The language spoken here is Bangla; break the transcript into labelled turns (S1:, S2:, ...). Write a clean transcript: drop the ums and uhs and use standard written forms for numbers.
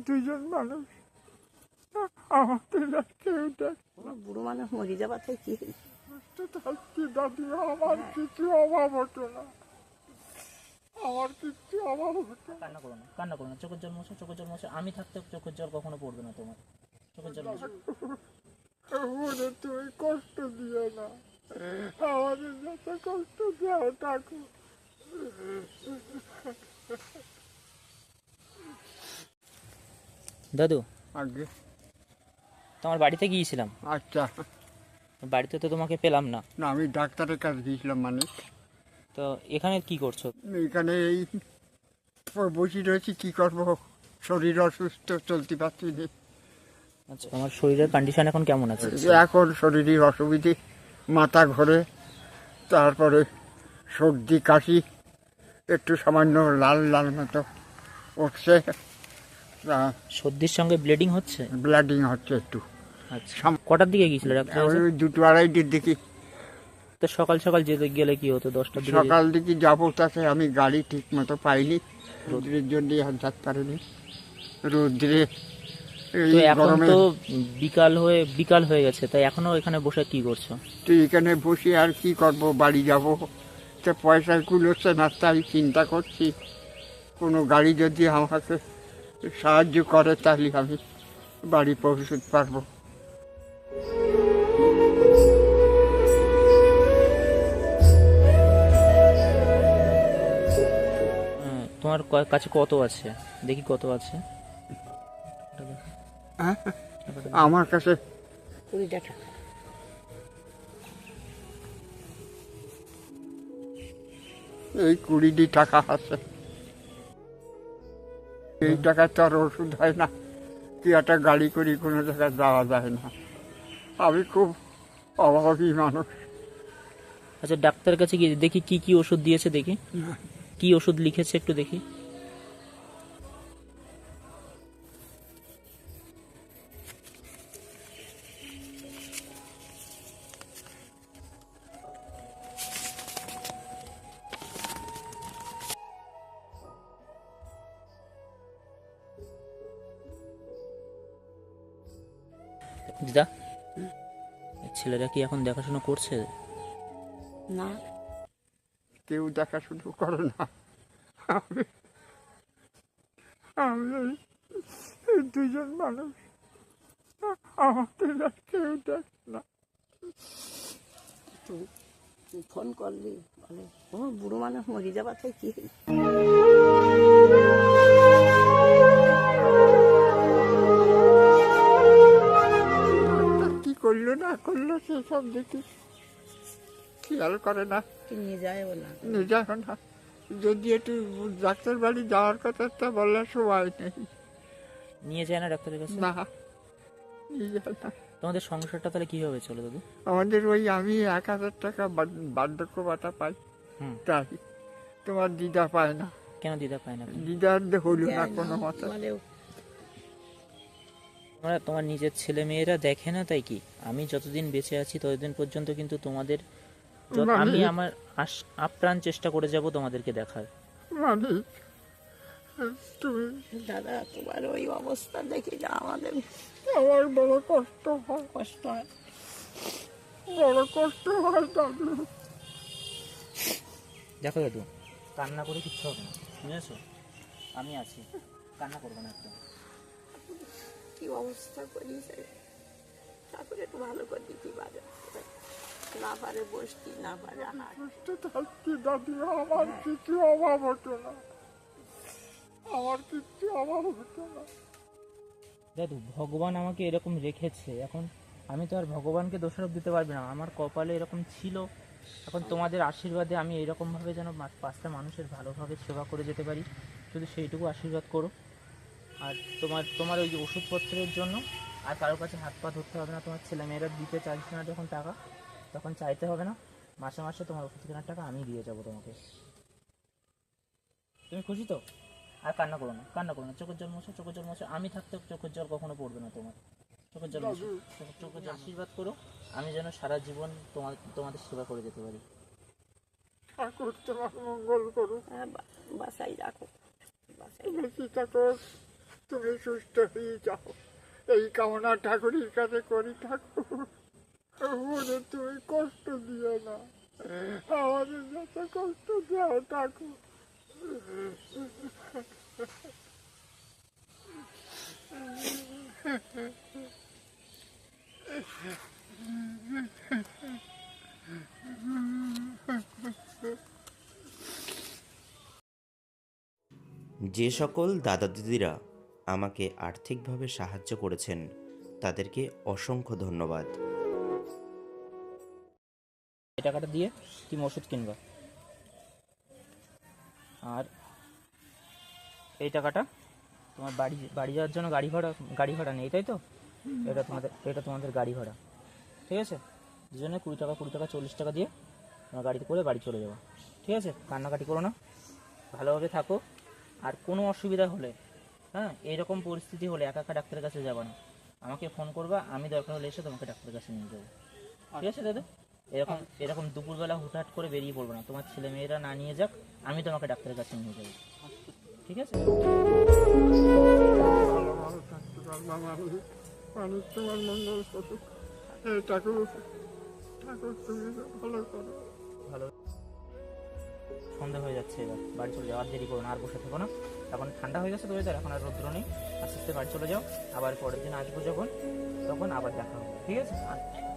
S1: দুজন মানুষ, আমাদের আর কেউ দেখ
S2: বুড়ো মানুষ মরে যাবার থেকে কি
S1: থাকছি দাদি, আমার কিছু অভাব হতো না, আমার কিছু অভাব হতো না।
S3: কান্না করো না, কান্না করো না, চোখের জল মোছো, চোখের জল মোছো। আমি থাকতে চোখের জল কখনো পড়বে না তোমার। চোখের জল মোছো।
S1: ওরে তুমি কষ্ট দিও না, আমাদের যত কষ্ট দেও থাকো।
S3: দাদু,
S1: আগে
S3: তোমার বাড়িতে গিয়েছিলাম,
S1: আচ্ছা,
S3: বাড়িতে তো তোমাকে পেলাম না,
S1: না আমি ডাক্তারের কাছে গিয়েছিলাম, মানে
S3: তো এখানে কি করছো?
S1: এখানে এই বসে রয়েছি, কি করবো, শরীর অসুস্থ, চলতে পারছি না।
S3: আচ্ছা, তোমার শরীরের কন্ডিশন এখন কেমন আছে?
S1: এখন শরীরের অসুবিধে, মাথা ঘোরে, তারপরে সর্দি কাশি, একটু সামান্য লাল লাল মতো উঠছে,
S3: সর্দির সঙ্গে ব্লিডিং হচ্ছে?
S1: ব্লিডিং হচ্ছে একটু।
S3: আচ্ছা, কটার দিকে গিয়েছিল ডাক্তার?
S1: ওই 2-2:30 দিকে।
S3: তো সকাল সকাল যেতে গেলে কি হতো? 10টার দিকে
S1: সকাল দিকে যাবো, তাতে আমি গাড়ি ঠিক মতো পাইনি, রোদ্রের জন্য আর যেতে পারিনি, রোদ্রে
S3: তো
S1: এই
S3: এখন
S1: গরমে।
S3: তো বিকাল হয়ে গেছে, তাই এখনো এখানে বসে কি করছো?
S1: তো এখানে বসে আর কি করব, বাড়ি যাব, তো পয়সা কুলোচ্ছে না, তাই চিন্তা করছি কোনো গাড়ি যদি আমাকে সাহায্য করে তাহলে আমি বাড়ি পৌঁছতে পারবো।
S3: তোমার কাছে কত আছে? দেখি কত আছে।
S1: হ্যাঁ, আমার কাছে
S2: 20 টাকা।
S1: এই 20 টাকা আছে, এই টাকা তো আর ওষুধ হয় না, কি একটা গাড়ি করি কোনো জায়গায় যাওয়া যায় না, আমি খুব অভাবী মানুষ।
S3: আচ্ছা, ডাক্তারের কাছে গিয়ে দেখি কি কি ওষুধ দিয়েছে, দেখি কি ওষুধ লিখেছে একটু দেখি। দিদা, ছেলেরা কি এখন দেখাশোনা করছে?
S2: না,
S1: কেউ দেখাশুনো করে না, আমি আমি এই দুজন মানুষ, আমাদের আর কেউ দেখ না।
S2: তুই ফোন করলি বলে ও বুড়ো মানুষ মরে যাবার থেকে কি
S1: কি করলো না করলো সেসব দেখি খেয়াল করে না,
S2: নিয়ে যায় বলে
S1: নিয়ে যায় না। যদি একটু ডাক্তার বাড়ি যাওয়ার কথা, তা বলার সময় নেই,
S3: নিয়ে যায় না ডাক্তারের কাছে?
S1: না নিয়ে যায় না।
S3: তোমাদের সংসারটা তাহলে কিভাবে চলে দাদু?
S1: আমাদের ওই আমি 1000 টাকা বার্ধক্য ভাতা পাই,
S3: হুম।
S1: তাই তোমার দিদা পায় না।
S3: কেন দিদা পায় না?
S1: দিদার হলো না কোনো মতো।
S2: বলে
S3: তোমার নিজের ছেলে মেয়েরা দেখে না, তাই কি? আমি যতদিন বেঁচে আছি ততদিন পর্যন্ত কিন্তু তোমাদের আমি আমার আপ্রাণ চেষ্টা করে যাব তোমাদেরকে দেখার।
S1: মানে তুমি,
S2: দাদা তোমার ওই অবস্থা দেখি যা আমাদের
S1: আমার বড় কষ্ট হয়,
S2: কষ্ট হয়।
S1: বড় কষ্ট হয় দাদু।
S3: দেখো দাদু, কান্না করে কিচ্ছু হবে না, বুঝেছো? আমি আছি, কান্না করবে না একদম।
S2: কি অবস্থা করিছে, তারপরে একটু ভালো করে দিতে পারে, না পারে বসতি, না পারে আনার।
S1: কষ্ট থাকছি দাদু, আমার কিছু অভাব হতো না, আমার কিছু অভাব হতো না।
S3: দাদু, ভগবান আমাকে এরকম রেখেছে, এখন আমি তো আর ভগবানকে দোষারোপ দিতে পারবো না। আমার কপালে এরকম ছিল, এখন তোমাদের আশীর্বাদে আমি এরকমভাবে যেন 5টা মানুষের ভালোভাবে সেবা করে যেতে পারি, শুধু সেইটুকু আশীর্বাদ করো। আর তোমার ওই যে ওষুধপত্রের জন্য আর কারোর কাছে হাত পা ধরতে হবে না। তোমার ছেলেমেয়েরা দিতে চাইছে না যখন টাকা, তখন চাইতে হবে না। মাসে মাসে তোমার ওষুধ কেনার টাকা আমি দিয়ে যাবো তোমাকে। তুমি খুশি তো? আর কান্না করো না, কান্না করো না, চোখের জল মোছো, চোখের জল মোছো। আমি থাকতে চোখের জল কখনো পড়বে না তোমার। চোখের জল মোছো, চোখের জল আশীর্বাদ করো, আমি যেন সারা জীবন তোমাদের সেবা করে যেতে পারি।
S1: ঠাকুর তোমার মঙ্গল করুক,
S2: বাসায় রাখো, বাসায়
S1: বেশি থাকো, তুমি সুস্থ হয়ে যাও, এই কামনা ঠাকুরের কাছে করি। ঠাকুর ওদের তুমি কষ্ট দিও না, আমাদের যত কষ্ট দাও ঠাকুর।
S4: যে সকল দাদা দিদিরা আমাকে আর্থিকভাবে সাহায্য করেছেন তাদেরকে অসংখ্য ধন্যবাদ।
S3: এই টাকাটা দিয়ে তুমি ওষুধ কিনবা, আর এই টাকাটা তোমার বাড়ি যাওয়ার জন্য গাড়ি ভাড়া নেই, তাই তো? এটা তোমাদের গাড়ি ভাড়া, ঠিক আছে? দুজনে 20 টাকা 40 টাকা দিয়ে তোমার গাড়িতে করে বাড়ি চলে যাবো, ঠিক আছে? কান্নাকাটি করো না, ভালোভাবে থাকো। আর কোনো অসুবিধা হলে, হ্যাঁ, এইরকম পরিস্থিতি হলে একা একা ডাক্তারের কাছে যাবা না, আমাকে ফোন করবা, আমি দরকার হলে এসে তোমাকে ডাক্তারের কাছে নিয়ে যাবো, ঠিক আছে দাদা? এরকম দুপুরবেলা হুটহাট করে বেরিয়ে পড়বো না, তোমার ছেলে মেয়েরা না নিয়ে যাক, আমি তোমাকে ডাক্তারের কাছে নিয়ে যাবো, ঠিক আছে?
S1: ভালো ভালো থাকতে পারবা মানুষ তোমার মঙ্গল করুক। এই ঠাকুর ঠাকুর তুমি ভালো করো।
S3: ভালো, সন্ধ্যা হয়ে যাচ্ছে, এবার বাড়ি চলে যাও, আর দেরি করো না, আর বসে থেকো না। এখন ঠান্ডা হয়ে গেছে তো ওয়েদার, এখন আর রৌদ্র নেই, আস্তে আস্তে বাড়ি চলে যাও। আবার পরের দিন আসবো যখন, তখন আবার দেখা হবে, ঠিক আছে? আর